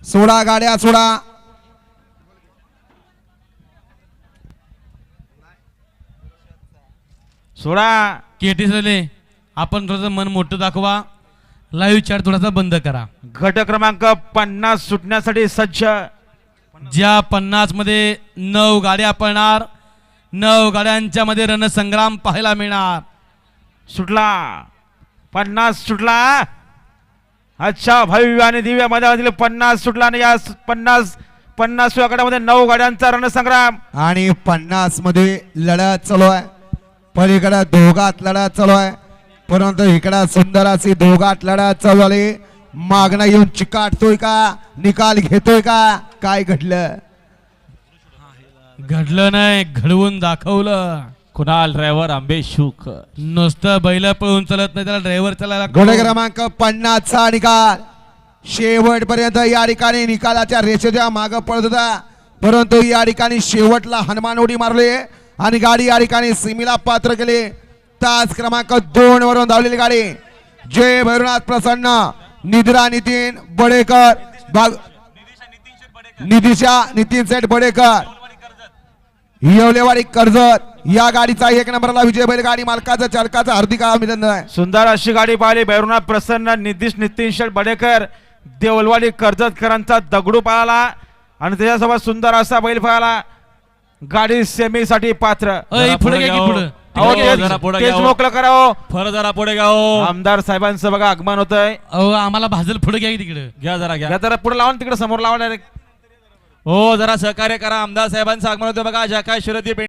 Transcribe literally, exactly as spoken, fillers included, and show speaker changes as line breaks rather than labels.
सोडा गाड्या सोडा.
सोडा
केटी झाले. आपण थोडंसं मन मोठं दाखवा. लाईव्ह चॅट थोडासा बंद करा.
गट क्रमांक पन्नास सुटण्यासाठी सज्ज.
ज्या पन्नास मध्ये नऊ गाड्या पळणार. नऊ गाड्यांच्या मध्ये रणसंग्राम पाहायला मिळणार.
सुटला पन्नास सुटला. अच्छा भव्य आणि दिव्य मैदानातील पन्नास सुटला आणि या पन्नास पन्नास गटामध्ये नऊ गाड्यांचा रणसंग्राम.
आणि पन्नास मध्ये लढत चालू आहे. पलीकडे दोघात लढत चालू आहे. परंतु इकडे सुंदर अशी दोघात लढत चालू आली. मागणं येऊन चिकाटतोय का निकाल घेतोय का काय घडलं.
घडलं नाही घडवून दाखवलं.
कुणाल ड्रायव्हर आंबे शुक.
नुसतं बैल पळून चालत नाही त्याला ड्रायव्हर चालायला.
घोडे क्रमांक पन्नास चा निकाल शेवटपर्यंत या ठिकाणी निकालाच्या रेषेच्या मागे पडत होता. परंतु या ठिकाणी शेवटला हनुमान उडी मारली आणि गाडी या ठिकाणी सीमेला पात्र केली. तास क्रमांक दोन वरून धावलेली गाडी जय भैरवनाथ प्रसन्न निद्रा नितीन बडेकर बाग निदिशा नितीन सेठ बडेकर येवलेवाडी कर्जत या गाडीचा एक नंबरला विजय बैल गाडी मालकाचं चालकाचं हार्दिक अभिनंदन आहे.
सुंदर अशी गाडी पाहिली. भैरवनाथ प्रसन्न नितीश नितीन शेठ बडेकर देवलवाडी कर्जतकरांचा दगडू पळाला आणि त्याच्यासोबत सुंदर असा बैल पळाला. गाडी सेमीसाठी पात्र.
पुढे घ्या की पुढे.
अहो, तेच-
जरा पुढे
तेच
घ्या.
मोकळं करावं.
फर जरा पुढे घ्या हो.
आमदार साहेबांचं बघा आगमन होतंय.
अहो आम्हाला भाजल पुढे घ्या की तिकडे.
घ्या जरा घ्या.
या जरा पुढे लावून तिकडे समोर लावा डायरेक्ट.
हो जरा सहकार्य करा. आमदार साहेबांचं आगमन होतं बघा. ज्या काय शर्यती